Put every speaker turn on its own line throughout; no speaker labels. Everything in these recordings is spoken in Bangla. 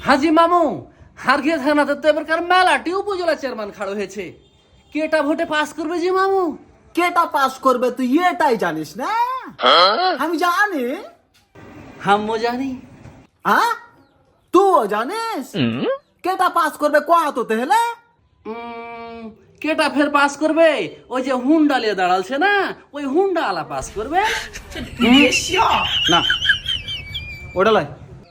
হাজি মামু হারগে থানাতে তো এবারকার মেলাটি উপজেলা চেয়ারম্যান খাড়ো হয়েছে, কেটা ভোটে পাস করবে জি মামু?
কেটা পাস করবে তুই এটাই জানিস না? আমি জানি।
হাম্মো জানি।
হ্যাঁ, তুইও জানিস? কেটা পাস করবে কোয়া তো তেহলে?
কেটা ফের পাস করবে? ওই যে হুন্ডা লিয়ে দাঁড়ালছে না, ওই হুন্ডা আলা পাস করবে।
না, ওটা লাই।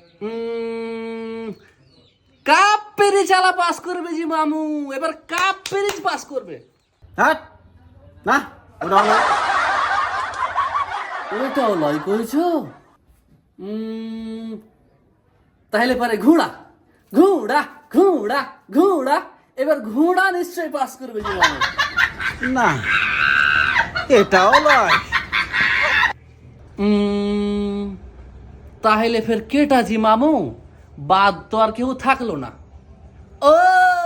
কাপ পেরিচ আলা পাস করবে জি মামু, এবার কাপ পেরিচ পাস করবে।
হ্যাঁ, না ওটা লাই।
ওটাও লয় করেছো? তাহলে পারে ঘোড়া ঘোড়া ঘোড়া ঘোড়া, এবার ঘোড়া নিশ্চয়ই পাস করবে জি মামু।
না, এটাও লয়।
তাহলে ফের কেটা জি মামু? বাদ তো আর কেউ থাকলো না। ও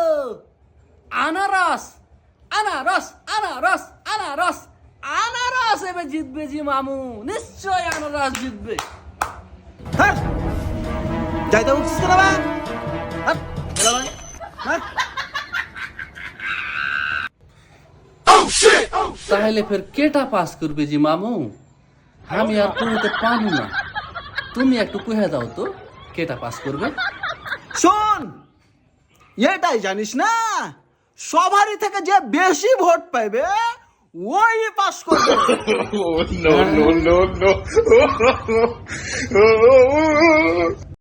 আনারস আনারস আনারস আনারস আনারস এবার জিতবে জি মামু, নিশ্চয় আনারস জিতবে।
হ্যাঁ, যাইতে উঠছিস কেন বা? হ্যাঁ, ওটা লাই। হ্যাঁ,
তাহলে ফের কেটা পাস করবে জি মামু? আমি আর কইতে পারবো না, তুমি একটু কইয়া দাও তো কেটা পাস করবে।
শোন, এটাই জানিস না, সবারই থেকে যে বেশি ভোট পাইবে ওই পাস করবে।
no, no, no, no.